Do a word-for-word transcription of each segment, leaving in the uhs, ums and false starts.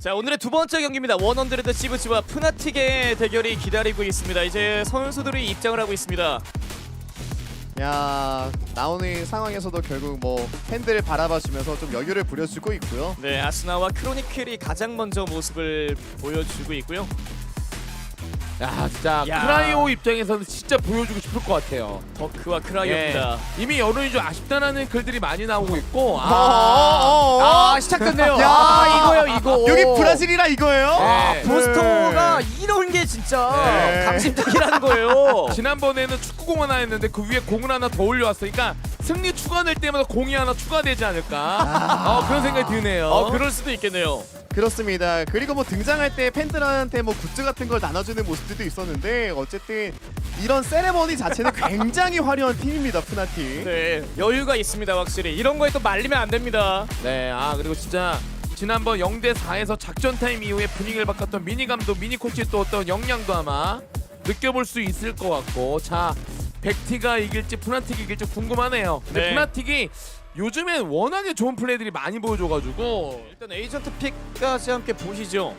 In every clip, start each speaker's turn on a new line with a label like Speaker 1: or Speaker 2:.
Speaker 1: 자, 오늘의 두 번째 경기입니다. 원헌드레드 시브지와 푸나틱의 대결이 기다리고 있습니다. 이제 선수들이 입장을 하고 있습니다.
Speaker 2: 야, 나오는 상황에서도 결국 뭐 팬들을 바라봐주면서 좀 여유를 부려주고 있고요.
Speaker 1: 네, 아스나와 크로니클이 가장 먼저 모습을 보여주고 있고요.
Speaker 3: 야 진짜
Speaker 1: 야.
Speaker 3: 크라이오 입장에서는 진짜 보여주고 싶을 것 같아요.
Speaker 1: 더크와 크라이오입니다.
Speaker 3: 예. 이미 여론이 좀 아쉽다라는 글들이 많이 나오고 있고
Speaker 2: 어,
Speaker 3: 아,
Speaker 2: 어, 어, 어.
Speaker 1: 아, 시작됐네요.
Speaker 2: 야.
Speaker 1: 아, 이거요, 이거.
Speaker 2: 여기 브라질이라 이거예요?
Speaker 1: 아,
Speaker 3: 네.
Speaker 1: 보스터가 이런 게 진짜
Speaker 2: 네.
Speaker 1: 감심적이라는 거예요.
Speaker 3: 지난번에는 축구공 하나 했는데 그 위에 공을 하나 더 올려왔어. 그러니까 승리 추가될 때마다 공이 하나 추가되지 않을까 어, 그런 생각이 드네요.
Speaker 1: 어, 그럴 수도 있겠네요.
Speaker 2: 그렇습니다. 그리고 뭐 등장할 때 팬들한테 뭐 굿즈 같은 걸 나눠주는 모습들도 있었는데 어쨌든 이런 세레머니 자체는 굉장히 화려한 팀입니다, 푸나틱.
Speaker 1: 네, 여유가 있습니다, 확실히. 이런 거에 또 말리면 안 됩니다.
Speaker 3: 네, 아 그리고 진짜 지난번 영 대 사에서 작전 타임 이후에 분위기를 바꿨던 미니 감독, 미니 코치의 또 어떤 역량도 아마 느껴볼 수 있을 것 같고, 자 백티가 이길지 푸나틱이 이길지 궁금하네요. 근데
Speaker 1: 네.
Speaker 3: 푸나틱이 요즘엔 워낙에 좋은 플레이들이 많이 보여줘가지고
Speaker 1: 일단 에이전트 픽까지 함께 보시죠.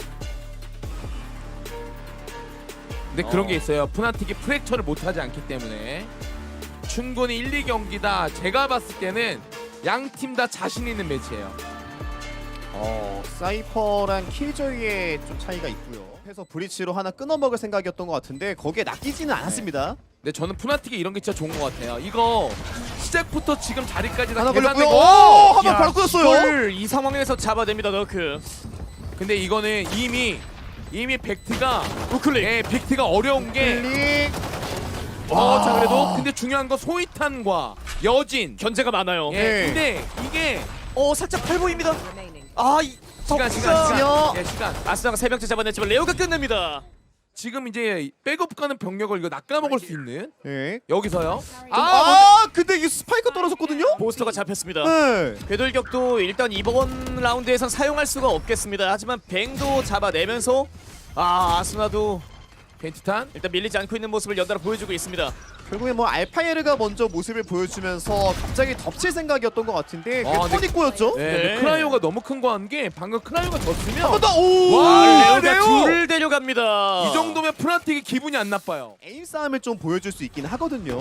Speaker 3: 근데 그런
Speaker 1: 어.
Speaker 3: 게 있어요. 푸나틱이 프랙처를 못하지 않기 때문에 충분히 일, 이 경기다 제가 봤을 때는 양 팀 다 자신 있는 매치예요.
Speaker 2: 어, 사이퍼랑 킬조이의 좀 차이가 있고요. 해서 브리치로 하나 끊어먹을 생각이었던 것 같은데 거기에 낚이지는 않았습니다.
Speaker 3: 근데 저는 푸나틱이 이런 게 진짜 좋은 것 같아요. 이거 시작부터 지금 자리까지 다
Speaker 2: 하나 걸렸고요.
Speaker 3: 계산되고
Speaker 2: 오! 한번
Speaker 1: 야,
Speaker 2: 바로 끊었어요.
Speaker 1: 이걸 이 상황에서 잡아냅니다, 너크.
Speaker 3: 근데 이거는 이미 이미 벡트가
Speaker 1: 우클릭.
Speaker 3: 예, 벡트가 어려운 게
Speaker 2: 클릭.
Speaker 3: 어, 자 그래도 근데 중요한 건 소이탄과 여진
Speaker 1: 견제가 많아요.
Speaker 3: 예,
Speaker 2: 네.
Speaker 3: 근데 이게
Speaker 1: 어, 살짝 팔 보입니다. 아, 이
Speaker 3: 시간 시간
Speaker 1: 덕후가-
Speaker 3: 시간 예, 시간
Speaker 1: 아스나가 세 명째 잡아냈지만 레오가 끝냅니다.
Speaker 3: 지금 이제 백업 가는 병력을 이거 낚아먹을 수 있는
Speaker 2: 예.
Speaker 3: 여기서요.
Speaker 2: 아,
Speaker 3: 아,
Speaker 2: 근데 이게 스파이크 떨어졌거든요?
Speaker 1: 보스터가 잡혔습니다.
Speaker 2: 네.
Speaker 1: 궤돌격도 일단 이번 라운드에선 사용할 수가 없겠습니다. 하지만 뱅도 잡아내면서 아, 아스나도
Speaker 3: 벤티탄
Speaker 1: 일단 밀리지 않고 있는 모습을 연달아 보여주고 있습니다.
Speaker 2: 결국에 뭐 알파에르가 먼저 모습을 보여주면서 갑자기 덮칠 생각이었던 것 같은데 그게
Speaker 3: 아, 근데-
Speaker 2: 토닉고였죠?
Speaker 3: 네,
Speaker 1: 네.
Speaker 3: 근데 크라이오가 너무 큰 거 한 게 방금 크라이오가 졌으면
Speaker 2: 한 번 더! 오!
Speaker 3: 와,
Speaker 1: 레오가
Speaker 3: 레오!
Speaker 1: 둘을 데려갑니다.
Speaker 3: 이 정도면 푸나틱이 기분이 안 나빠요.
Speaker 2: 에임 싸움을 좀 보여줄 수 있긴 하거든요.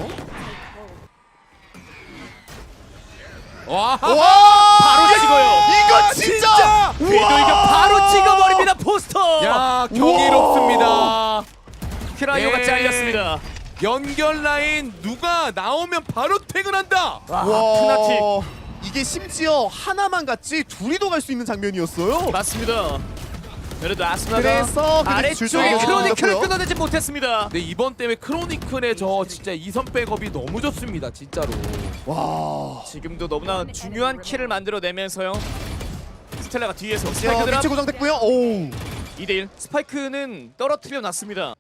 Speaker 3: 와,
Speaker 2: 와!
Speaker 1: 바로 찍어요.
Speaker 2: 이건 진짜!
Speaker 1: 궤돌격 바로 찍어버립니다. 포스터.
Speaker 3: 야 경이롭습니다.
Speaker 1: 크라이오가
Speaker 3: 예.
Speaker 1: 잘렸습니다.
Speaker 3: 연결 라인 누가 나오면 바로 퇴근한다.
Speaker 1: 와,
Speaker 2: 와,
Speaker 1: 푸나틱
Speaker 2: 이게 심지어 하나만 같이 둘이도 갈 수 있는 장면이었어요.
Speaker 1: 맞습니다. 그래도 아스나가
Speaker 2: 그래서 그냥
Speaker 1: 아래쪽에
Speaker 2: 줄줄이
Speaker 1: 크로니클을
Speaker 2: 끊어졌고요.
Speaker 1: 끊어내지 못했습니다.
Speaker 3: 근데 이번 때문에 크로니클의 저 진짜 이선 백업이 너무 좋습니다, 진짜로.
Speaker 2: 와.
Speaker 1: 지금도 너무나 중요한 킬을 만들어내면서요. 스텔라가 뒤에서
Speaker 2: 야,
Speaker 1: 스파이크 드랍
Speaker 2: 위치 고정됐고요. 오.
Speaker 1: 이 대 일. 스파이크는 떨어뜨려 놨습니다.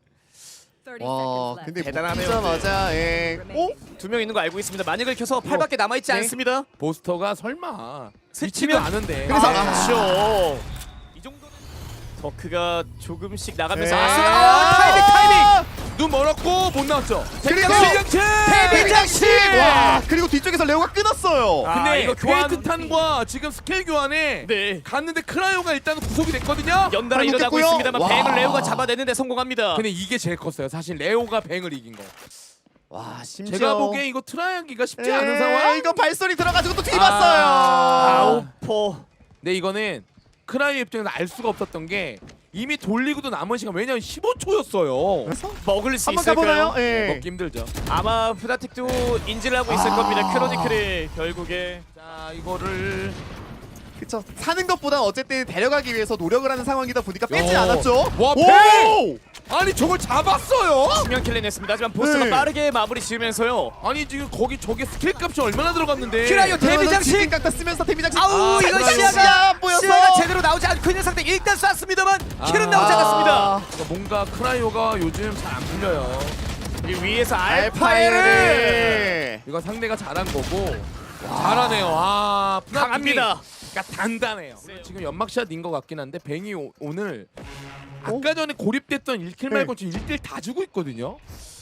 Speaker 2: 와, 근데
Speaker 1: 대단하네요.
Speaker 2: 먹자마자 예. 어?
Speaker 1: 두 명 있는 거 알고 있습니다. 만익을 켜서 팔밖에 남아있지
Speaker 2: 네.
Speaker 1: 않습니다.
Speaker 3: 보스터가 설마
Speaker 1: 스치면
Speaker 3: 스치면 아는데.
Speaker 2: 그래서-
Speaker 1: 아, 그렇죠. 이 정도는 더크가 조금씩 나가면서
Speaker 2: 네.
Speaker 1: 아스나 아, 타이밍 타이밍.
Speaker 3: 눈 멀었고 못 나왔죠.
Speaker 2: 그리고
Speaker 3: 실장치.
Speaker 2: 대장치! 와, 그리고 뒤쪽에서 레오가 끊었어요.
Speaker 1: 아,
Speaker 3: 근데
Speaker 1: 이거
Speaker 3: 이거
Speaker 1: 교환-
Speaker 3: 퀘이트탄과 지금 스킬 교환에
Speaker 1: 네.
Speaker 3: 갔는데 크라이오가 일단 구속이 됐거든요.
Speaker 1: 연달아 일어나고
Speaker 2: 발목됐고요.
Speaker 1: 있습니다만
Speaker 2: 와.
Speaker 1: 뱅을 레오가 잡아내는데 성공합니다.
Speaker 3: 근데 이게 제일 컸어요. 사실 레오가 뱅을 이긴 거.
Speaker 2: 와, 심지어
Speaker 3: 제가 보기엔 이거 트라이하기가 쉽지
Speaker 2: 에,
Speaker 3: 않은 상황.
Speaker 2: 이거 발소리 들어가지고 또
Speaker 3: 아.
Speaker 2: 뒤집었어요.
Speaker 1: 아우포.
Speaker 3: 근데 이거는 크라이 입장에서 알 수가 없었던 게 이미 돌리고도 남은 시간 왜냐면 십오 초였어요.
Speaker 2: 그래서
Speaker 1: 먹을 수
Speaker 2: 한번
Speaker 1: 있을까요?
Speaker 2: 가보나요? 예.
Speaker 3: 먹기 힘들죠.
Speaker 1: 아마 푸나틱도 인지를 하고 있을
Speaker 2: 아.
Speaker 1: 겁니다. 크로니클이 결국에
Speaker 3: 자 이거를
Speaker 2: 그쵸. 사는 것보다 어쨌든 데려가기 위해서 노력을 하는 상황이다 보니까 빼지
Speaker 3: 야.
Speaker 2: 않았죠.
Speaker 3: 와,
Speaker 2: 오!
Speaker 3: 뱅! 아니 저걸 잡았어요?
Speaker 1: 수면 킬을 냈습니다. 하지만 보스가
Speaker 2: 네.
Speaker 1: 빠르게 마무리 지으면서요.
Speaker 3: 아니 지금 거기 저게 스킬 값이 얼마나 들어갔는데?
Speaker 1: 키라이오 데뷔 장식!
Speaker 2: 각다 쓰면서 데뷔 장식.
Speaker 1: 아우,
Speaker 3: 아,
Speaker 1: 이거
Speaker 3: 그래요.
Speaker 1: 시야가
Speaker 2: 시야 안 보여서.
Speaker 1: 시야가 제대로 나오지 않고 있는 상태. 일단 쐈습니다만 킬은 나오지 않았습니다.
Speaker 3: 그러니까 뭔가 크라이오가 요즘 잘 안 풀려요.
Speaker 1: 이 위에서 알파에를
Speaker 2: 알파에르.
Speaker 3: 이거 상대가 잘한 거고 잘하네요. 아 푸나틱이
Speaker 1: 강합니다.
Speaker 3: 그러니까 단단해요.
Speaker 1: 네.
Speaker 3: 지금 연막샷인 것 같긴 한데 뱅이 오, 오늘
Speaker 2: 어?
Speaker 3: 아까 전에 고립됐던 일 킬
Speaker 2: 네.
Speaker 3: 말고 지금 일 킬 다 주고 있거든요.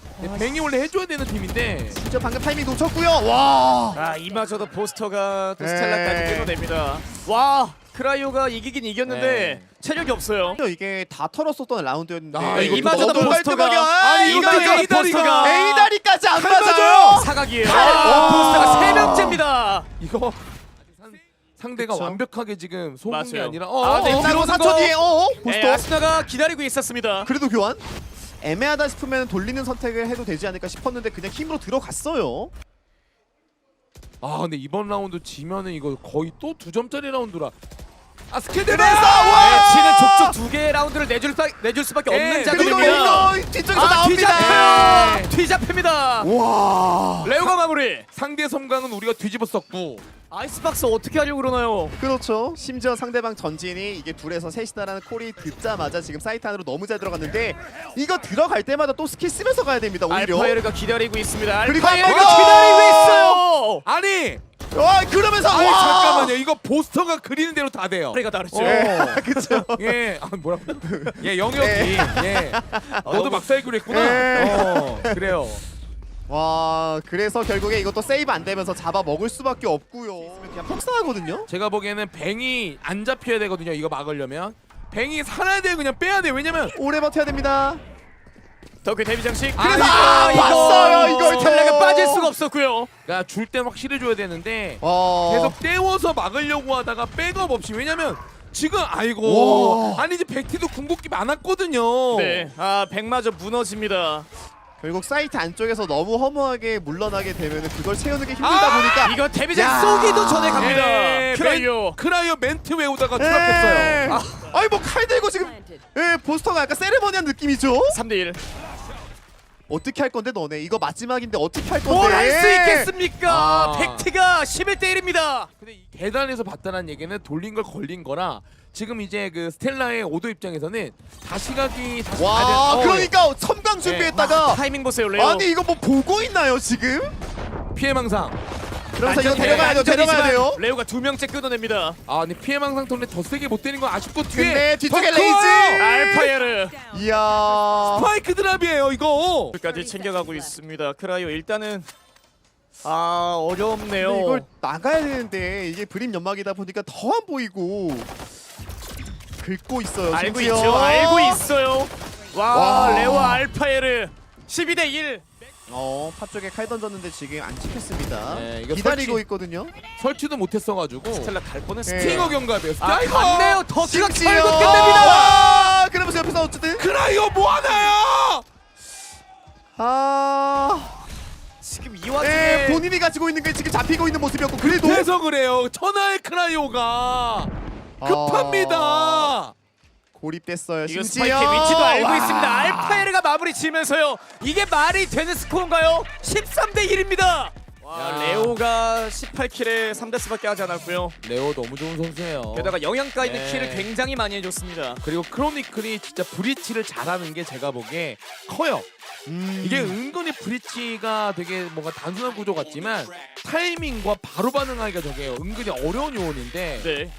Speaker 3: 네, 뱅이 원래 해줘야 되는 팀인데
Speaker 2: 진짜 방금 타이밍 놓쳤고요. 와.
Speaker 1: 아 이마저도 보스터가 또
Speaker 2: 네.
Speaker 1: 스텔라까지 끊어냅니다. 와 크라이오가 이기긴 이겼는데
Speaker 3: 네.
Speaker 1: 체력이 없어요.
Speaker 2: 이게 다 털었었던 라운드였는데
Speaker 3: 아,
Speaker 1: 네,
Speaker 3: 이것도
Speaker 1: 이마저도
Speaker 2: 너무
Speaker 1: 보스터가
Speaker 2: 깔끔하게,
Speaker 3: 아니, 이거
Speaker 2: 이거
Speaker 3: A 다리가
Speaker 2: A 다리까지 안
Speaker 3: 칼
Speaker 2: 맞아요.
Speaker 1: 사각이에요.
Speaker 2: 칼!
Speaker 1: 아, 보스터가 세
Speaker 2: 와.
Speaker 1: 명째입니다.
Speaker 3: 이거 상, 상대가
Speaker 2: 그쵸.
Speaker 3: 완벽하게 지금 속은 게
Speaker 1: 맞아요.
Speaker 3: 아니라 어,
Speaker 1: 아,
Speaker 3: 어,
Speaker 1: 네,
Speaker 3: 어,
Speaker 1: 들어오는
Speaker 2: 짜고 사 초
Speaker 1: 거.
Speaker 2: 뒤에 어
Speaker 1: 네,
Speaker 2: 보스터.
Speaker 1: 아스나가 기다리고 있었습니다.
Speaker 2: 그래도 교환. 애매하다 싶으면 돌리는 선택을 해도 되지 않을까 싶었는데 그냥 힘으로 들어갔어요.
Speaker 3: 아 근데 이번 라운드 지면은 이거 거의 또 두 점짜리 라운드라. 아 스케드가
Speaker 2: 그래서
Speaker 1: 네,
Speaker 2: 와!
Speaker 1: 치는 족족 두 개의 라운드를 내줄, 수, 내줄 수밖에 없는
Speaker 3: 네,
Speaker 2: 그리고
Speaker 1: 작업입니다.
Speaker 2: 이거 뒤쪽에서
Speaker 1: 아
Speaker 2: 나옵니다.
Speaker 1: 뒤잡혀요. 뒤잡힙니다.
Speaker 2: 와.
Speaker 1: 레오가 마무리.
Speaker 3: 상대 섬광은 우리가 뒤집었었고
Speaker 1: 아이스박스 어떻게 하려고 그러나요?
Speaker 2: 그렇죠. 심지어 상대방 전진이 이게 둘에서 셋이다라는 콜이 듣자마자 지금 사이트 안으로 너무 잘 들어갔는데 이거 들어갈 때마다 또 스킬 쓰면서 가야 됩니다. 오히려.
Speaker 1: 알파이르가 기다리고 있습니다.
Speaker 2: 그리고
Speaker 1: 알파이르가
Speaker 2: 한 번 더!
Speaker 1: 기다리고 있어요.
Speaker 3: 아니
Speaker 2: 와 그러면서
Speaker 3: 아니
Speaker 2: 와!
Speaker 3: 잠깐만요 이거 보스터가 그리는 대로 다 돼요.
Speaker 1: 소리가 다르죠.
Speaker 3: 어.
Speaker 2: 네, 그렇죠.
Speaker 3: 예, 아 뭐라고? 예, 영역이
Speaker 2: 네.
Speaker 3: 예. 너도 막사이클 했구나.
Speaker 2: 네.
Speaker 3: 어, 그래요.
Speaker 2: 와 그래서 결국에 이것도 세이브 안 되면서 잡아 먹을 수밖에 없고요. 그냥 폭사하거든요.
Speaker 3: 제가 보기에는 뱅이 안 잡혀야 되거든요. 이거 막으려면 뱅이 살아야 돼 그냥 빼야 돼. 왜냐면
Speaker 2: 오래 버텨야 됩니다.
Speaker 1: 덕후 데뷔 장식.
Speaker 3: 아,
Speaker 1: 그래서
Speaker 3: 아,
Speaker 1: 이거
Speaker 2: 봤어요, 이걸
Speaker 1: 스텔라가
Speaker 2: 또.
Speaker 1: 빠질 수가 없었고요.
Speaker 3: 그러니까 줄 땐 확실히 줘야 되는데
Speaker 2: 어.
Speaker 3: 계속 떼워서 막으려고 하다가 백업 없이 왜냐면 지금 아이고
Speaker 2: 와.
Speaker 3: 아니 이제 백티도 궁극기 많았거든요.
Speaker 1: 네, 아 백마저 무너집니다.
Speaker 2: 결국 사이트 안쪽에서 너무 허무하게 물러나게 되면 그걸 채우는 게 힘들다
Speaker 3: 아!
Speaker 2: 보니까
Speaker 1: 이거 데뷔장
Speaker 2: 야.
Speaker 1: 쏘기도 전에 갑니다.
Speaker 3: 네,
Speaker 1: 크라이오.
Speaker 3: 멘- 크라이오 멘트 외우다가
Speaker 2: 네.
Speaker 3: 추락했어요.
Speaker 2: 아, 아니 뭐 칼 들고 지금 예, 보스터가 약간 세레머니한 느낌이죠.
Speaker 1: 삼 대 일.
Speaker 2: 어떻게 할 건데 너네 이거 마지막인데 어떻게 할 건데?
Speaker 1: 뭘 할 수 있겠습니까?
Speaker 3: 아.
Speaker 1: 팩트가 십일 대 일입니다.
Speaker 3: 근데 이 계단에서 봤다는 얘기는 돌린 걸 걸린 거라 지금 이제 그 스텔라의 오도 입장에서는 다시 가기 다시
Speaker 2: 와
Speaker 3: 가야 돼- 어,
Speaker 2: 그러니까 섬광 준비했다가
Speaker 1: 타이밍 보세요, 레오.
Speaker 2: 아니 이거 뭐 보고 있나요 지금?
Speaker 3: 피해망상.
Speaker 2: 그러면서 이거
Speaker 1: 안전이-
Speaker 2: 데려가야 돼요 데려가야
Speaker 1: 안전이지만
Speaker 2: 돼요.
Speaker 1: 레오가 두 명째 끊어냅니다.
Speaker 3: 아 근데 피해망상 때문에 더 세게 못 때린 건 아쉽고 뒤에
Speaker 2: 근데 뒤쪽에
Speaker 3: 더 커요!
Speaker 2: 레이즈!
Speaker 1: 알파이르
Speaker 2: 이야.
Speaker 3: 스파이크 드랍이에요 이거.
Speaker 1: 까지 챙겨가고 있습니다. 크라이오 일단은 아 어렵네요.
Speaker 2: 근데 이걸 나가야 되는데 이게 브림 연막이다 보니까 더 안 보이고 긁고 있어요.
Speaker 1: 알고
Speaker 2: 심지어.
Speaker 1: 있죠. 알고 있어요. 와,
Speaker 2: 와.
Speaker 1: 레오 알파이르 십이 대 일.
Speaker 2: 어, 파 쪽에 칼 던졌는데 지금 안 찍혔습니다.
Speaker 3: 네, 이거
Speaker 2: 기다리고
Speaker 3: 설치-
Speaker 2: 있거든요.
Speaker 3: 설치도 못했어가지고
Speaker 1: 스텔라 갈 뻔했어.
Speaker 2: 네.
Speaker 3: 스팅어 경갑이에요.
Speaker 1: 아
Speaker 3: 스팅어!
Speaker 1: 갔네요. 더키가
Speaker 2: 심지어.
Speaker 1: 결국 끝냅니다.
Speaker 2: 와, 그러면서 옆에서 어쨌든
Speaker 3: 크라이오 뭐하나요?
Speaker 2: 아,
Speaker 1: 지금 이 와중에
Speaker 2: 네, 본인이 가지고 있는 게 지금 잡히고 있는 모습이었고 그래도
Speaker 3: 그래서 그래요. 천하의 크라이오가 급합니다.
Speaker 2: 아, 고립됐어요.
Speaker 1: 이거
Speaker 2: 심지어
Speaker 1: 스파이크의 위치도 알고
Speaker 2: 와.
Speaker 1: 있습니다. 알파이르가 마무리 지면서요. 이게 말이 되는 스코어인가요? 십삼 대 일입니다. 와,
Speaker 3: 야.
Speaker 1: 레오가 십팔 킬에 삼 데스밖에 하지 않았고요.
Speaker 3: 레오 너무 좋은 선수예요.
Speaker 1: 게다가 영양가 있는
Speaker 3: 네.
Speaker 1: 킬을 굉장히 많이 해줬습니다.
Speaker 3: 그리고 크로니클이 진짜 브리치를 잘하는 게 제가 보기에 커요.
Speaker 2: 음.
Speaker 3: 이게 은근히 브리치가 되게 뭔가 단순한 구조 같지만 타이밍과 바로 반응하기가 저게 은근히 어려운 요원인데
Speaker 1: 네.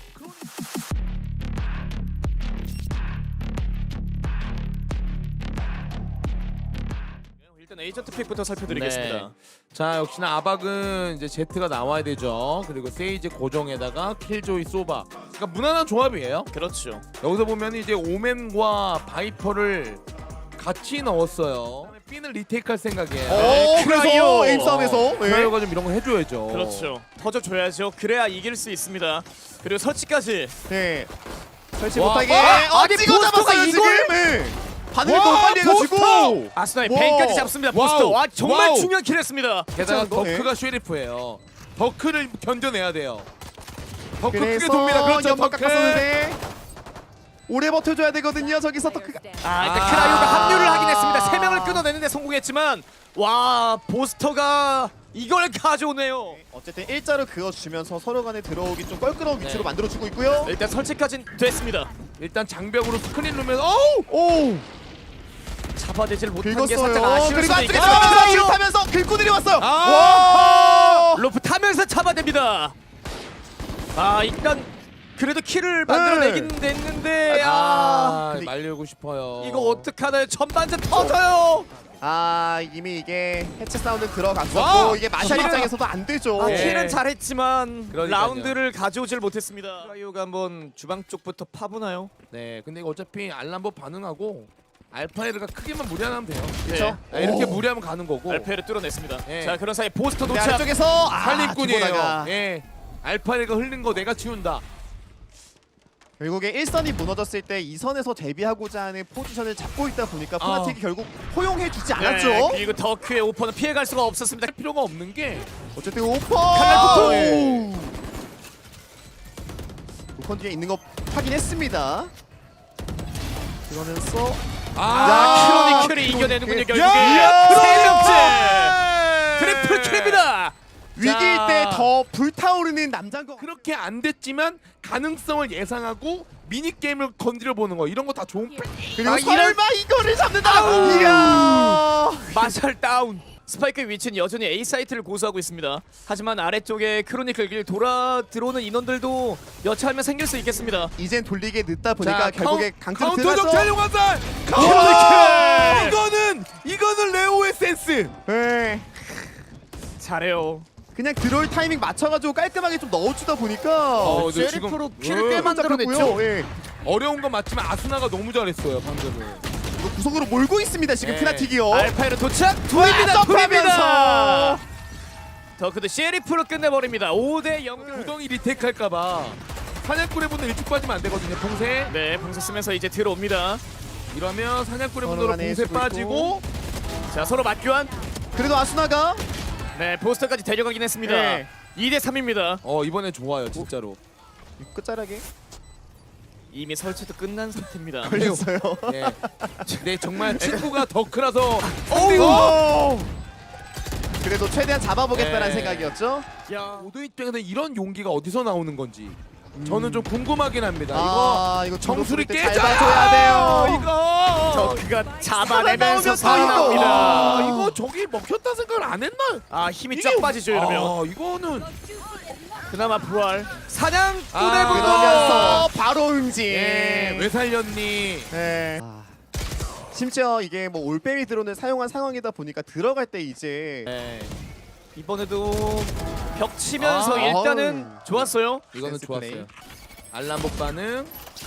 Speaker 1: 일단 에이전트 픽부터 살펴드리겠습니다.
Speaker 3: 네. 자 역시나 아박은 이제 제트가 나와야 되죠. 그리고 세이지 고정에다가 킬조이 소바. 그러니까 무난한 조합이에요.
Speaker 1: 그렇죠.
Speaker 3: 여기서 보면 이제 오맨과 바이퍼를 같이 넣었어요. B는 리테이크할 생각이에요.
Speaker 2: 어,
Speaker 1: 크라이오.
Speaker 2: 그래서 에임 싸움에서 예.
Speaker 3: 크라이오가 좀 이런 거 해줘야죠.
Speaker 1: 그렇죠. 터져줘야죠. 그래야 이길 수 있습니다. 그리고 설치까지.
Speaker 2: 네. 설치
Speaker 3: 와,
Speaker 2: 못하게.
Speaker 1: 아,
Speaker 2: 어,
Speaker 1: 아니,
Speaker 2: 찍어
Speaker 1: 보스터가
Speaker 2: 잡았어요 지금.
Speaker 1: 이걸?
Speaker 2: 네. 반응을
Speaker 3: 와,
Speaker 2: 너무 빨리 해가지고.
Speaker 3: 보스터!
Speaker 1: 아스나의
Speaker 2: 와우.
Speaker 1: 벤까지 잡습니다. 보스터.
Speaker 3: 와우.
Speaker 1: 와 정말
Speaker 3: 와우.
Speaker 1: 중요한 킬했습니다.
Speaker 3: 게다가
Speaker 2: 괜찮은 거?
Speaker 3: 더크가 쉐리프예요. 더크를 견뎌내야 돼요. 더크 크게
Speaker 2: 그래서
Speaker 3: 돕니다. 그렇죠.
Speaker 2: 연막
Speaker 3: 더크.
Speaker 2: 깎았었는데 오래 버텨줘야 되거든요. 저기서 더크가.
Speaker 1: 아 일단
Speaker 3: 아.
Speaker 1: 크라이오가 합류를 하긴 했습니다. 세 명을 끊어내는데 성공했지만 와 보스터가 이걸 가져오네요.
Speaker 2: 어쨌든 일자로 그어주면서 서로 간에 들어오기 좀 껄끄러운 위치로
Speaker 3: 네.
Speaker 2: 만들어주고 있고요.
Speaker 1: 일단 설치까지 됐습니다.
Speaker 3: 일단 장벽으로 스크린 룸에서 어우!
Speaker 2: 오!
Speaker 1: 잡아내질 못한 게 살짝
Speaker 2: 긁었어요.
Speaker 1: 아쉬울
Speaker 2: 그리고
Speaker 1: 수도
Speaker 2: 안쪽에
Speaker 1: 있겠죠.
Speaker 2: 들어가면서
Speaker 1: 크라이오
Speaker 2: 타면서 긁고 내려왔어요.
Speaker 3: 아!
Speaker 2: 와!
Speaker 1: 로프 타면서 잡아냅니다. 아 일단 그래도 킬을 만들어내긴 됐는데 아,
Speaker 3: 아,
Speaker 2: 근데
Speaker 3: 말리고 싶어요.
Speaker 1: 이거 어떡하나요? 전반전 터져요.
Speaker 2: 아 이미 이게 해체 사운드 들어갔었고
Speaker 3: 와!
Speaker 2: 이게 마샬
Speaker 1: 킬은-
Speaker 2: 입장에서도 안 되죠.
Speaker 1: 아,
Speaker 3: 예.
Speaker 1: 킬은 잘했지만
Speaker 3: 그러니까요.
Speaker 1: 라운드를 가져오질 못했습니다. 라이오가 한번 주방 쪽부터 파보나요?
Speaker 3: 네, 근데 이거 어차피 알람보 반응하고 알파에르가 크게만 무리하면 돼요.
Speaker 2: 그렇죠.
Speaker 3: 네, 이렇게
Speaker 2: 오.
Speaker 3: 무리하면 가는 거고.
Speaker 1: 알페를 뚫어냈습니다.
Speaker 3: 예.
Speaker 1: 자 그런 사이 보스터
Speaker 2: 네,
Speaker 1: 도착.
Speaker 2: 아래쪽에서 아,
Speaker 3: 살림꾼이에요.
Speaker 2: 디보나가
Speaker 3: 예, 알파에르가 흘린 거 내가 지운다.
Speaker 2: 결국에 일 선이 무너졌을 때 이 선에서 대비하고자 하는 포지션을 잡고 있다 보니까 푸나틱이 결국 허용해주지 않았죠.
Speaker 1: 네, 그리고 더큐의 오퍼는 피해갈 수가 없었습니다.
Speaker 3: 할 필요가 없는 게
Speaker 2: 어쨌든 오퍼!
Speaker 1: 칼날 폭풍!
Speaker 2: 오! 오컨 뒤에 있는 거 확인했습니다. 그러면서
Speaker 1: 아,
Speaker 2: 야,
Speaker 1: 크로니클이
Speaker 2: 크로니클.
Speaker 1: 이겨내는군요 결국에.
Speaker 2: 야!
Speaker 1: 세 명째 트리플 킬입니다.
Speaker 2: 위기일
Speaker 3: 자.
Speaker 2: 때 더 불타오르는 남자인 거.
Speaker 3: 그렇게 안 됐지만 가능성을 예상하고 미니 게임을 건드려 보는 거 이런 거 다 좋은 플레이.
Speaker 2: 그리고
Speaker 1: 아,
Speaker 2: 설마 이거를 잡는다.
Speaker 1: 아우.
Speaker 2: 이야.
Speaker 1: 마샬 다운. 스파이크의 위치는 여전히 A 사이트를 고수하고 있습니다. 하지만 아래쪽에 크로니클 길 돌아 들어오는 인원들도 여차하면 생길 수 있겠습니다.
Speaker 2: 이젠 돌리게 늦다 보니까
Speaker 3: 자,
Speaker 2: 결국에
Speaker 3: 카운-
Speaker 2: 강제로
Speaker 3: 카운터
Speaker 2: 들어가서
Speaker 3: 정찰용 화살.
Speaker 1: 크로니클!
Speaker 3: 이거는 이거는 레오의 센스.
Speaker 2: 네.
Speaker 1: 잘해요.
Speaker 2: 그냥 들어올 타이밍 맞춰가지고 깔끔하게 좀 넣어주다 보니까
Speaker 3: 어, 근데
Speaker 1: 쉐리프로
Speaker 3: 지금-
Speaker 1: 킬을 꽤
Speaker 3: 어.
Speaker 1: 만들어냈죠.
Speaker 2: 예.
Speaker 3: 어려운 건 맞지만 아스나가 너무 잘했어요 방금은.
Speaker 2: 이거 구석으로 몰고 있습니다 지금
Speaker 3: 네.
Speaker 2: 피나틱이요.
Speaker 1: 알파이로 도착. 둘입니다. 둘입니다.
Speaker 2: 점프하면서.
Speaker 1: 더크도 쉐리프로 끝내버립니다. 오 대 영.
Speaker 3: 구덩이 리테이크할까봐 사냥꾼의 분들 일찍 빠지면 안 되거든요. 봉쇄.
Speaker 1: 네, 봉쇄 쓰면서 이제 들어옵니다.
Speaker 3: 이러면 사냥꾼의
Speaker 2: 서로
Speaker 3: 분들
Speaker 2: 간에
Speaker 3: 봉쇄
Speaker 2: 쓰고
Speaker 3: 빠지고.
Speaker 1: 자, 서로 맞교환.
Speaker 2: 그래도 아수나가
Speaker 1: 네, 보스터까지 데려가긴 했습니다.
Speaker 2: 네.
Speaker 1: 이 대 삼입니다.
Speaker 3: 어 이번에 좋아요 진짜로.
Speaker 2: 끝자락에
Speaker 1: 이미 설치도 끝난 상태입니다.
Speaker 2: 걸렸어요.
Speaker 3: 네. 네 정말 친구가 더 크라서
Speaker 2: 오! 그래도 최대한 잡아보겠다는
Speaker 3: 네.
Speaker 2: 생각이었죠.
Speaker 1: 야,
Speaker 3: 모두 입장에서 이런 용기가 어디서 나오는 건지 저는 좀 궁금하긴 합니다.
Speaker 2: 아, 이거
Speaker 3: 정수리
Speaker 2: 잘
Speaker 3: 깨져야
Speaker 2: 봐줘야 돼요.
Speaker 3: 이거
Speaker 1: 더크가 잡아내면서
Speaker 2: 살아나오면 또 이거.
Speaker 3: 아,
Speaker 1: 살아납니다.
Speaker 3: 이거 저기 먹혔다 생각을 안 했나?
Speaker 1: 아, 힘이
Speaker 3: 이게-
Speaker 1: 쫙 빠지죠 이러면.
Speaker 3: 아, 이거는
Speaker 1: 그나마 부활. 사냥꾼의
Speaker 3: 아,
Speaker 1: 분노.
Speaker 2: 그러면서 바로 응징.
Speaker 3: 예, 왜 살렸니?
Speaker 2: 네. 아, 심지어 이게 뭐 올빼미 드론을 사용한 상황이다 보니까 들어갈 때 이제
Speaker 3: 네,
Speaker 1: 이번에도 벽 치면서
Speaker 3: 아,
Speaker 1: 일단은
Speaker 2: 어우.
Speaker 1: 좋았어요.
Speaker 3: 이거는
Speaker 2: 센스
Speaker 3: 좋았어요.
Speaker 2: 플레이.
Speaker 3: 알람복 반응.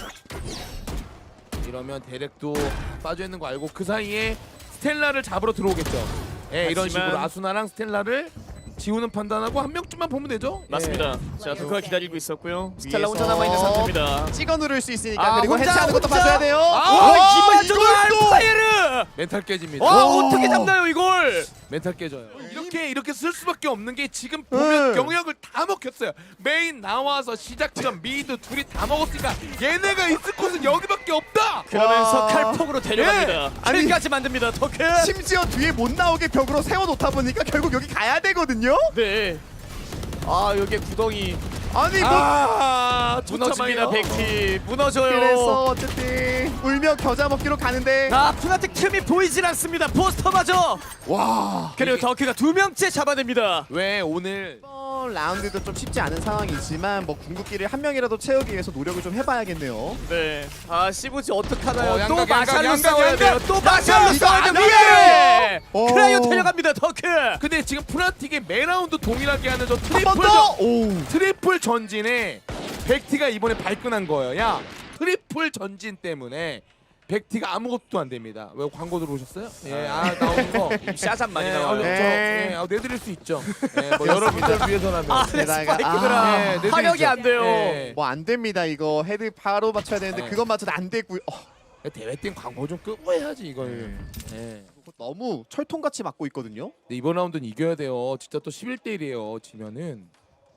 Speaker 3: 이러면 대렉도 빠져 있는 거 알고 그 사이에 스텔라를 잡으러 들어오겠죠. 예, 이런
Speaker 1: 하지만-
Speaker 3: 식으로 아수나랑 스텔라를 지우는 판단하고 한 명쯤만 보면 되죠.
Speaker 1: 맞습니다.
Speaker 3: 예.
Speaker 1: 자, 더크가 기다리고 있었고요. 스텔라 혼자
Speaker 2: 위에서
Speaker 1: 남아 있는 상태입니다.
Speaker 2: 찍어 누를 수 있으니까
Speaker 1: 아,
Speaker 2: 그리고
Speaker 1: 혼자,
Speaker 2: 해체하는 것도
Speaker 1: 혼자?
Speaker 2: 봐줘야 돼요.
Speaker 3: 아,
Speaker 1: 와, 이마저도
Speaker 2: 이걸 또!
Speaker 1: 알파이르.
Speaker 3: 멘탈 깨집니다.
Speaker 1: 와,
Speaker 2: 오.
Speaker 1: 어떻게 잡나요 이걸?
Speaker 3: 멘탈 깨져요. 이렇게 이렇게 쓸 수밖에 없는 게 지금 보면
Speaker 2: 네.
Speaker 3: 영역을 다 먹혔어요. 메인 나와서 시작점 미드 둘이 다 먹었으니까 얘네가 있을 곳은 여기밖에 없다.
Speaker 1: 그러면서
Speaker 2: 와.
Speaker 1: 칼폭으로 데려갑니다.
Speaker 2: 예. 아니-
Speaker 1: 킬까지 만듭니다. 더크.
Speaker 2: 심지어 뒤에 못 나오게 벽으로 세워놓다 보니까 결국 여기 가야 되거든요.
Speaker 1: 네. 아, 여기에 구덩이
Speaker 2: 아니 뭐
Speaker 3: 아,
Speaker 1: 무너집니다.
Speaker 3: 무너집니다.
Speaker 1: 백티 무너져요.
Speaker 2: 그래서 어쨌든 울며 겨자 먹기로 가는데
Speaker 1: 아, 푸나틱 틈이 보이질 않습니다. 포스터마저.
Speaker 2: 와
Speaker 1: 그리고 더크가 두 명째 잡아냅니다.
Speaker 3: 왜 오늘
Speaker 2: 이번 라운드도 좀 쉽지 않은 상황이지만 뭐 궁극기를 한 명이라도 채우기 위해서 노력을 좀 해봐야겠네요.
Speaker 1: 네. 아, 시부지 어떡하나요?
Speaker 3: 어,
Speaker 1: 또
Speaker 3: 양각,
Speaker 1: 마샬로
Speaker 3: 양각,
Speaker 1: 싸워야
Speaker 3: 양각,
Speaker 1: 돼요.
Speaker 3: 양각.
Speaker 1: 또 마샬로
Speaker 2: 이거
Speaker 1: 싸워야
Speaker 2: 안
Speaker 1: 돼요.
Speaker 2: 오.
Speaker 1: 크라이오 데려갑니다. 더크.
Speaker 3: 근데 지금 프나틱의 매라운드 동일하게 하는 저
Speaker 2: 한
Speaker 3: 트리플
Speaker 2: 번 더.
Speaker 3: 전,
Speaker 2: 오.
Speaker 3: 트리플 전진에 백티가 이번에 발끈한 거예요. 야 트리플 전진 때문에 백티가 아무것도 안 됩니다. 왜 광고 들어오셨어요? 예, 아 나오는 거.
Speaker 1: 샤잔 많이
Speaker 3: 예,
Speaker 1: 나와요.
Speaker 3: 어, 저,
Speaker 2: 네.
Speaker 3: 예, 아, 내드릴 수 있죠. 예, 뭐 여러분들 위해서라면.
Speaker 1: 아, 네,
Speaker 2: 게다가-
Speaker 1: 스파이크들아.
Speaker 2: 아,
Speaker 3: 예, 내드리죠.
Speaker 1: 화력이 안 돼요.
Speaker 3: 예.
Speaker 2: 뭐 안 됩니다 이거 헤드 바로 맞춰야 되는데
Speaker 3: 네.
Speaker 2: 그것마저도 안 되고요. 어,
Speaker 3: 대회 땐 광고 좀 끄고 해야지 이걸.
Speaker 2: 네.
Speaker 3: 예.
Speaker 2: 너무 철통같이 맞고 있거든요.
Speaker 3: 근데 이번 라운드는 이겨야 돼요. 진짜 또 십일 대 일이에요. 지면은.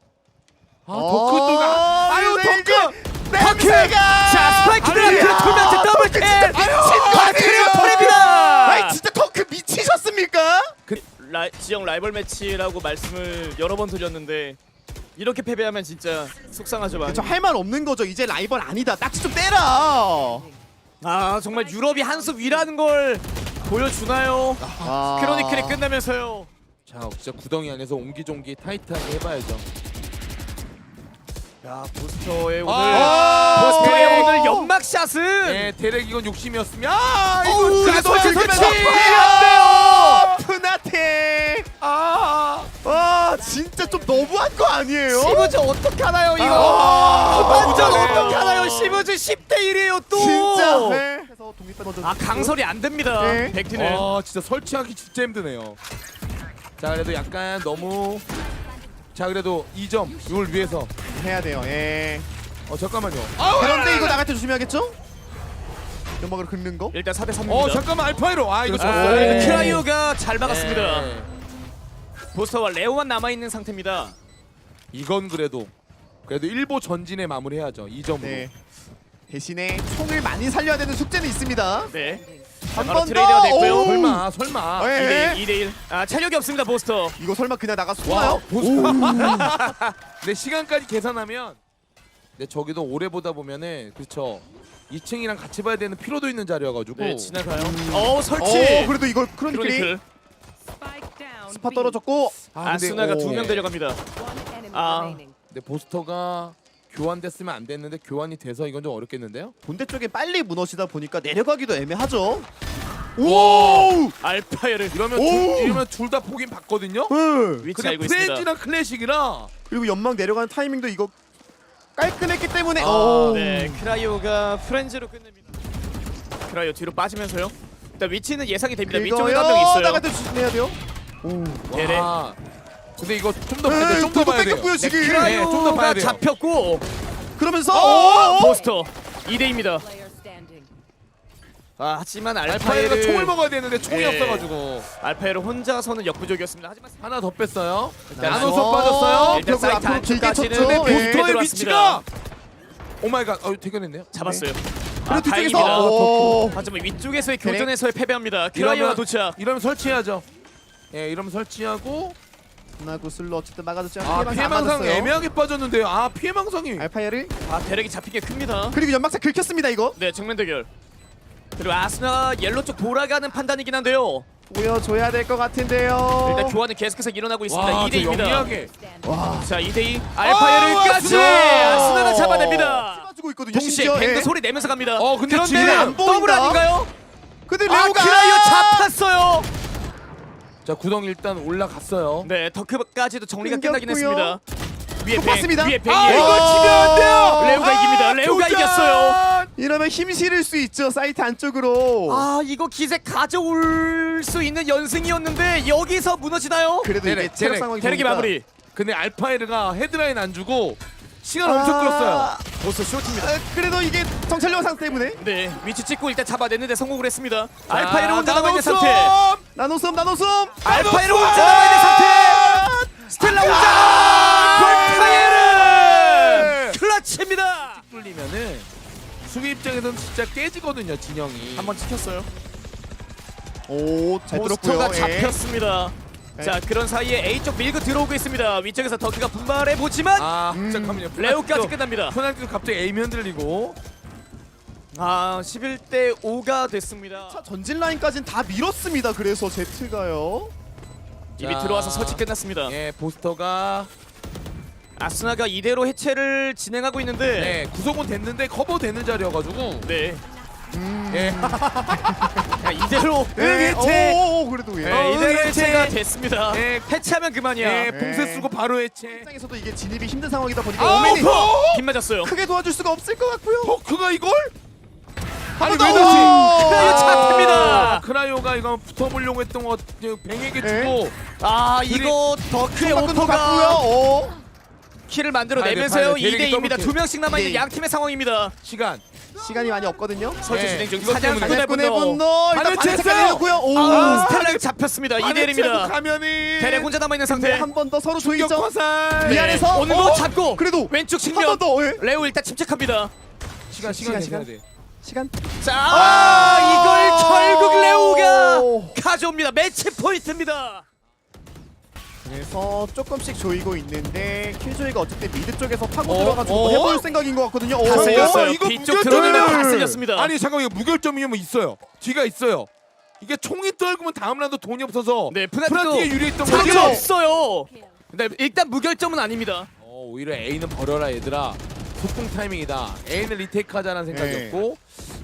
Speaker 3: 아
Speaker 2: 어,
Speaker 3: 덕후도가 아유
Speaker 2: 근데
Speaker 3: 덕후.
Speaker 2: 냄새가.
Speaker 1: 자, 스파이크들아.
Speaker 2: 아니야.
Speaker 1: 두 명째 더블 킬.
Speaker 2: 미친 거
Speaker 1: 아, 그리고
Speaker 2: 아니에요?
Speaker 1: 폴입니다.
Speaker 2: 아이 진짜 덩크 미치셨습니까?
Speaker 1: 라, 지역 라이벌 매치라고 말씀을 여러 번 드렸는데 이렇게 패배하면 진짜 속상하죠 많이.
Speaker 2: 저 할 말 없는 거죠. 이제 라이벌 아니다. 딱지 좀 떼라.
Speaker 1: 아, 정말 유럽이 한 수 위라는 걸 보여주나요?
Speaker 2: 아.
Speaker 1: 크로니클이 끝나면서요.
Speaker 3: 자 진짜 구덩이 안에서 옹기종기 타이트하게 해봐야죠.
Speaker 1: 야, 보스터의 오늘
Speaker 2: 아.
Speaker 1: 보스터의
Speaker 2: 네.
Speaker 1: 오늘 연막샷은
Speaker 3: 네 대렉 이건 욕심이었으면 아
Speaker 2: 어우,
Speaker 3: 이거
Speaker 2: 그래도
Speaker 3: 가둬야
Speaker 2: 지금
Speaker 3: 되지.
Speaker 2: 설치!
Speaker 1: 안 돼요.
Speaker 2: 푸나테.
Speaker 3: 아,
Speaker 2: 와 진짜 좀 너무한 거 아니에요?
Speaker 1: 시브즈 어떡하나요 이거?
Speaker 2: 아,
Speaker 1: 후반전
Speaker 3: 너무 잘해요.
Speaker 1: 어떡하나요? 시브즈 십 대 일이에요 또.
Speaker 2: 진짜. 네. 그래서 독립 버전.
Speaker 1: 아 강설이 안 됩니다.
Speaker 2: 네.
Speaker 1: 백티는.
Speaker 3: 아 진짜 설치하기 진짜 힘드네요. 자 그래도 약간 너무 자 그래도 이 점 이걸 위해서
Speaker 2: 해야 돼요. 예.
Speaker 3: 어 잠깐만요.
Speaker 2: 그런데 이거 나갈 때 조심해야겠죠? 연막으로 긁는 거?
Speaker 1: 일단 사 대 삼입니다.
Speaker 3: 어 잠깐만 알파이로 아 이거
Speaker 1: 아,
Speaker 3: 졌어요.
Speaker 1: 크라이오가 잘 막았습니다.
Speaker 3: 네.
Speaker 1: 보스터와 레오만 남아 있는 상태입니다.
Speaker 3: 이건 그래도 그래도 일보 전진에 마무리해야죠. 이 점으로.
Speaker 2: 네. 대신에 총을 많이 살려야 되는 숙제는 있습니다.
Speaker 1: 네.
Speaker 2: 한
Speaker 1: 바로
Speaker 2: 번
Speaker 1: 트레이드가
Speaker 2: 더.
Speaker 1: 됐고요.
Speaker 2: 오우.
Speaker 3: 설마 설마.
Speaker 2: 예.
Speaker 1: 이 대 일, 이 대 일. 아 체력이 없습니다 보스터.
Speaker 2: 이거 설마 그냥 나가서
Speaker 3: 와
Speaker 2: 쏘나요?
Speaker 3: 보스. 내 시간까지 계산하면 내 저기도 오래 보다 보면은 그렇죠. 이 층이랑 같이 봐야 되는 피로도 있는 자리여가지고.
Speaker 1: 네 지나가요. 어 설치.
Speaker 2: 어 그래도 이걸 크로니클이
Speaker 1: 크로니클.
Speaker 2: 스파 떨어졌고.
Speaker 3: 아, 근데
Speaker 1: 아스나가
Speaker 3: 오.
Speaker 1: 두 명 데려갑니다. 아.
Speaker 3: 근데 보스터가 교환됐으면 안 됐는데 교환이 돼서 이건 좀 어렵겠는데요?
Speaker 2: 본대 쪽에 빨리 무너지다 보니까 내려가기도 애매하죠. 오!
Speaker 1: 알파이를
Speaker 3: 이러면
Speaker 2: 오.
Speaker 3: 둘, 이러면 둘 다 보긴 봤거든요.
Speaker 2: 네.
Speaker 1: 위치
Speaker 3: 근데
Speaker 1: 알고 있습니다.
Speaker 3: 프렌즈랑 클래식이라
Speaker 2: 그리고 연막 내려가는 타이밍도 이거 깔끔했기 때문에.
Speaker 3: 아,
Speaker 2: 오.
Speaker 1: 네 크라이오가 프렌즈로 끝냅니다. 크라이오 뒤로 빠지면서요. 일단 위치는 예상이 됩니다. 위쪽에 한 명
Speaker 2: 이거요.
Speaker 1: 있어요.
Speaker 2: 나갈 때 조심해야 돼요. 오.
Speaker 1: 네네.
Speaker 3: 와. 근데 이거 좀 더
Speaker 2: 네,
Speaker 3: 봐야 돼. 좀 더 봐야 돼요.
Speaker 2: 뺏겼고요, 지금.
Speaker 3: 네, 네, 좀더 봐야
Speaker 1: 크라이오가
Speaker 3: 돼요.
Speaker 1: 잡혔고
Speaker 2: 그러면서
Speaker 1: 어,
Speaker 2: 오!
Speaker 1: 포스터 이 대입니다. 아 하지만
Speaker 3: 알파이가
Speaker 1: 알파이를
Speaker 3: 총을 먹어야 되는데 총이
Speaker 1: 예.
Speaker 3: 없어가지고
Speaker 1: 알파이를 혼자서는 역부족이었습니다. 하지만
Speaker 3: 하나 더 뺐어요.
Speaker 2: 나이스.
Speaker 3: 나노석 빠졌어요.
Speaker 1: 일단
Speaker 2: 벽을
Speaker 1: 사이트
Speaker 2: 앞으로 길게
Speaker 1: 안쪽까지는
Speaker 2: 쳤죠.
Speaker 1: 네,
Speaker 2: 예.
Speaker 3: 보스터의
Speaker 1: 들어왔습니다.
Speaker 3: 위치가 오마이갓. 어 대결했네요.
Speaker 1: 잡았어요.
Speaker 2: 그리고
Speaker 1: 아,
Speaker 2: 뒤쪽에서
Speaker 1: 다행입니다.
Speaker 2: 오.
Speaker 1: 하지만 위쪽에서의
Speaker 2: 그래.
Speaker 1: 교전에서의 패배합니다. 크라이오가 도착.
Speaker 3: 이러면 설치해야죠. 예, 이러면 설치하고
Speaker 2: 나고 슬로 어쨌든 막아줬지
Speaker 3: 아
Speaker 2: 않게
Speaker 3: 피해망상 애매하게 빠졌는데요. 아 피해망상이
Speaker 2: 알파이를
Speaker 1: 아 대력이 잡힌 게 큽니다.
Speaker 2: 그리고 연막차 긁혔습니다 이거.
Speaker 1: 네 정면 대결. 그리고 아스나 옐로 쪽 돌아가는 판단이긴 한데요.
Speaker 2: 보여줘야 될 것 같은데요.
Speaker 1: 일단 교환은 계속해서 일어나고 있습니다.
Speaker 3: 와,
Speaker 1: 이 대 이입니다.
Speaker 3: 영리하게.
Speaker 2: 와.
Speaker 1: 자 이 대 이 알파이를까지
Speaker 3: 아스나!
Speaker 1: 아스나가 잡아냅니다.
Speaker 2: 쏴주고 있거든요.
Speaker 1: 동시에
Speaker 2: 심지어,
Speaker 1: 뱅드
Speaker 2: 예.
Speaker 1: 소리 내면서 갑니다.
Speaker 3: 어, 근데
Speaker 1: 그런데
Speaker 3: 지금
Speaker 2: 안 보인다.
Speaker 1: 더블 아닌가요?
Speaker 2: 근데
Speaker 1: 아
Speaker 2: 레오가
Speaker 1: 크라이오 잡혔어요.
Speaker 3: 자 구덩이 일단 올라갔어요.
Speaker 1: 네 더크까지도 정리가
Speaker 2: 끊겼고요.
Speaker 1: 끝나긴 했습니다. 위에
Speaker 2: 또
Speaker 1: 뱅,
Speaker 2: 봤습니다.
Speaker 1: 위에
Speaker 3: 아
Speaker 1: 뱅이에요.
Speaker 3: 이거 치면 안 돼요.
Speaker 1: 레오가 이깁니다. 레오가
Speaker 3: 도전!
Speaker 1: 이겼어요.
Speaker 2: 이러면 힘 실을 수 있죠 사이트 안쪽으로.
Speaker 1: 아 이거 기세 가져올 수 있는 연승이었는데 여기서 무너지나요?
Speaker 2: 그래도
Speaker 3: 대략,
Speaker 2: 이게 체력
Speaker 3: 대략,
Speaker 2: 상황이
Speaker 1: 대력이
Speaker 2: 좋으니까.
Speaker 1: 마무리.
Speaker 3: 근데 알파이르가 헤드라인 안 주고 시간
Speaker 2: 아.
Speaker 3: 엄청 끌었어요.
Speaker 1: 보스 쇼트입니다.
Speaker 2: 아, 그래도 이게 정찰력 상태 때문에
Speaker 1: 네 위치 찍고 일단 잡아냈는데 성공을 했습니다.
Speaker 3: 자,
Speaker 1: 알파이를 혼자 남아 있는
Speaker 3: 나노섬!
Speaker 1: 상태.
Speaker 2: 나노섬 나노섬.
Speaker 1: 알파이를 혼자 남아 있는 상태. 스텔라 혼자. 알파이를 클러치입니다.
Speaker 3: 뚫리면은 수비 입장에서는 진짜 깨지거든요 진영이.
Speaker 1: 한번 찍혔어요.
Speaker 2: 오잘
Speaker 1: 포스터가
Speaker 2: 들었고요. 예.
Speaker 1: 잡혔습니다.
Speaker 2: 네.
Speaker 1: 자 그런 사이에 A 쪽 밀고 들어오고 있습니다. 위쪽에서 더키가 분발해 보지만
Speaker 3: 아
Speaker 2: 음.
Speaker 3: 잠깐만요.
Speaker 1: 레오까지 끝납니다.
Speaker 3: 포난도 갑자기 에임이 흔들리고.
Speaker 1: 아 십일 대 오가 됐습니다.
Speaker 2: 차 전진 라인까지는 다 밀었습니다. 그래서 제트가요.
Speaker 1: 이미
Speaker 3: 자.
Speaker 1: 들어와서 설치 끝났습니다.
Speaker 3: 예 보스터가
Speaker 1: 아스나가 이대로 해체를 진행하고 있는데
Speaker 3: 네 구속은 됐는데 커버 되는 자리여가지고.
Speaker 1: 네.
Speaker 2: 음.
Speaker 3: 예.
Speaker 1: 야, 이대로
Speaker 2: 네,
Speaker 3: 해체.
Speaker 2: 오, 오, 그래도 예.
Speaker 1: 네,
Speaker 3: 어,
Speaker 1: 이대로
Speaker 3: 해체.
Speaker 1: 해체가 됐습니다.
Speaker 3: 네.
Speaker 1: 해체하면 그만이야.
Speaker 3: 예 봉쇄 쓰고 바로 해체.
Speaker 2: 입장에서도 이게 진입이 힘든 상황이다 보니까
Speaker 3: 아
Speaker 2: 오맨이
Speaker 3: 어?
Speaker 1: 힘 맞았어요.
Speaker 2: 크게 도와줄 수가 없을 것 같고요.
Speaker 3: 더크가 이걸? 아니
Speaker 2: 번
Speaker 3: 왜
Speaker 2: 더!
Speaker 3: 넣지?
Speaker 1: 크라이오 잡힙니다.
Speaker 3: 크라이오가 이거 붙어보려고 했던 거 뱅에게
Speaker 2: 네.
Speaker 3: 주고.
Speaker 1: 아 이거 더크의
Speaker 2: 바꾸는 거
Speaker 1: 오퍼가
Speaker 2: 같고요. 오.
Speaker 1: 키를 만들어
Speaker 3: 봐야 돼,
Speaker 1: 내면서요.
Speaker 3: 봐야 돼.
Speaker 1: 이 대
Speaker 3: 대륙이
Speaker 1: 이입니다.
Speaker 3: 더블
Speaker 1: 두 명씩 남아있는
Speaker 2: 네.
Speaker 1: 양팀의 상황입니다.
Speaker 3: 시간.
Speaker 2: 시간이 많이 없거든요.
Speaker 1: 설치
Speaker 3: 네,
Speaker 1: 진행 중.
Speaker 3: 이것
Speaker 1: 사냥
Speaker 3: 때문에.
Speaker 1: 군의
Speaker 2: 군의
Speaker 1: 분노.
Speaker 2: 분노 일단
Speaker 3: 반을
Speaker 2: 반을
Speaker 3: 챘어요.
Speaker 2: 체크해놓고요. 오.
Speaker 1: 아 스텔라가 잡혔습니다. 이 대
Speaker 3: 반을
Speaker 1: 일입니다.
Speaker 3: 채고 가면은
Speaker 1: 대략 혼자 남아있는 상태.
Speaker 2: 한 번 더 서로
Speaker 3: 충격
Speaker 2: 조이죠.
Speaker 3: 화살.
Speaker 2: 미안해서
Speaker 1: 오는
Speaker 2: 어?
Speaker 1: 거 잡고
Speaker 2: 그래도
Speaker 1: 왼쪽
Speaker 2: 한 번
Speaker 1: 측면
Speaker 2: 더. 예.
Speaker 1: 레오 일단 침착합니다.
Speaker 3: 시간
Speaker 2: 시간,
Speaker 3: 시간
Speaker 2: 시간.
Speaker 3: 시간 돼.
Speaker 2: 시간.
Speaker 1: 자 아, 이걸 결국 레오가
Speaker 2: 오.
Speaker 1: 가져옵니다. 매치 포인트입니다.
Speaker 2: 그래서 조금씩 조이고 있는데 킬조이가 어쨌든 미드 쪽에서 파고
Speaker 3: 어?
Speaker 2: 들어가지고
Speaker 3: 어?
Speaker 2: 해볼 생각인 것 같거든요.
Speaker 1: 다
Speaker 2: 오.
Speaker 1: 쓸렸어요.
Speaker 3: 이거
Speaker 1: 뒤쪽
Speaker 3: 무결점이네.
Speaker 1: 들어오면 다 쓸렸습니다.
Speaker 3: 아니 잠깐만 이거 무결점이면 있어요. 뒤가 있어요. 이게 총이 떨구면 다음 라운드 돈이 없어서
Speaker 1: 네
Speaker 3: 프란티가
Speaker 1: 푸나티도
Speaker 3: 유리했던
Speaker 1: 자기
Speaker 3: 거죠.
Speaker 1: 없어요. 근데 일단 무결점은 아닙니다.
Speaker 3: 어, 오히려 A는 버려라 얘들아. 속공 타이밍이다. A는 리테이크 하자는 생각이었고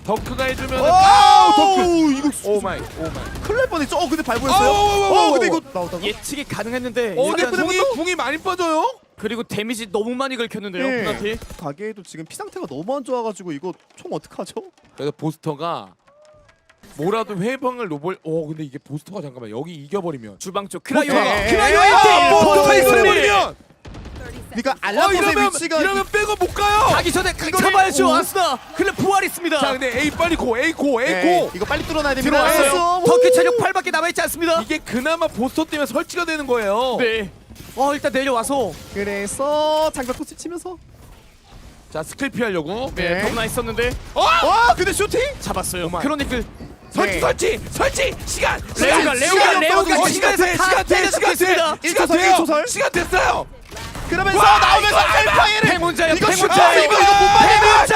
Speaker 3: 덩크가 해주면
Speaker 2: 오,
Speaker 3: 덩크.
Speaker 2: 이거
Speaker 3: 오 마이 오 마이.
Speaker 2: 큰일 날 뻔했죠. 어 근데 밟았어요.
Speaker 3: 오, 오, 오, 오,
Speaker 2: 어 근데
Speaker 3: 오.
Speaker 2: 이거 나오다가
Speaker 1: 예측이 가능했는데
Speaker 3: 어 근데
Speaker 1: 일단
Speaker 3: 궁이 궁이 많이 빠져요.
Speaker 1: 그리고 데미지 너무 많이 긁혔는데요.
Speaker 2: 네.
Speaker 1: 푸나티.
Speaker 2: 가게에도 지금 피 상태가 너무 안 좋아가지고 이거 총 어떡하죠?
Speaker 3: 그래서 보스터가 뭐라도 회방을 노볼. 어 근데 이게 보스터가 잠깐만 여기 이겨버리면.
Speaker 1: 주방 쪽 크라이오가
Speaker 2: 네.
Speaker 1: 크라이오
Speaker 2: 네.
Speaker 1: 일 대 일.
Speaker 2: 아,
Speaker 1: 포토의
Speaker 2: 뭐,
Speaker 1: 승리.
Speaker 3: 이겨버리면.
Speaker 2: 그러니까
Speaker 3: 어
Speaker 2: 알라봇의
Speaker 3: 이러면
Speaker 2: 위치가
Speaker 3: 이러면 백업 못 가요.
Speaker 1: 가기 전에
Speaker 2: 이거를-
Speaker 1: 잡아야죠.
Speaker 2: 오.
Speaker 1: 아스나. 클레 부활 있습니다.
Speaker 3: 자 근데 A 빨리 고 A 고 A
Speaker 2: 네,
Speaker 3: 고.
Speaker 2: 이거 빨리 뚫어놔야 됩니다.
Speaker 1: 들어왔어요.
Speaker 2: 오.
Speaker 1: 덩크 체력 팔밖에 남아있지 않습니다.
Speaker 3: 이게 그나마 보스터 때문에 설치가 되는 거예요.
Speaker 1: 네. 어 일단 내려와서
Speaker 2: 그래서 장벽 토스 치면서
Speaker 3: 자 스킬 피하려고.
Speaker 1: 네,
Speaker 2: 네.
Speaker 1: 너무나 있었는데
Speaker 2: 와 근데 슈팅?
Speaker 1: 잡았어요.
Speaker 3: 오마이.
Speaker 1: 크로니클
Speaker 3: 설치
Speaker 2: 네.
Speaker 3: 설치 설치 시간
Speaker 1: 레오가
Speaker 3: 시간,
Speaker 1: 레오가
Speaker 3: 시간,
Speaker 1: 레오가
Speaker 3: 어,
Speaker 1: 시간에서
Speaker 3: 돼,
Speaker 1: 다
Speaker 3: 시간 돼,
Speaker 1: 때려잡고
Speaker 3: 시간
Speaker 1: 있습니다.
Speaker 3: 돼, 시간
Speaker 2: 일 초설,
Speaker 3: 돼요.
Speaker 2: 일 초설.
Speaker 3: 시간 됐어요.
Speaker 2: 그러면서
Speaker 3: 와,
Speaker 2: 나오면서
Speaker 3: 이거
Speaker 2: 알파이를
Speaker 1: 팽문자요,
Speaker 2: 이거
Speaker 1: 팽문자.
Speaker 2: 슈팅 이거 이거 못 받으면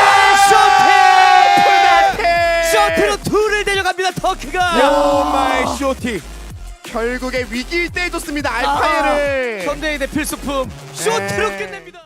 Speaker 1: 셔틀! 셔틀로 둘을 내려갑니다. 덩크가.
Speaker 3: 오 마이 쇼티.
Speaker 2: 결국에 위기일 때 해줬습니다.
Speaker 1: 아,
Speaker 2: 알파이를.
Speaker 1: 현대인의 필수품 셔틀로
Speaker 2: 네.
Speaker 1: 끝냅니다.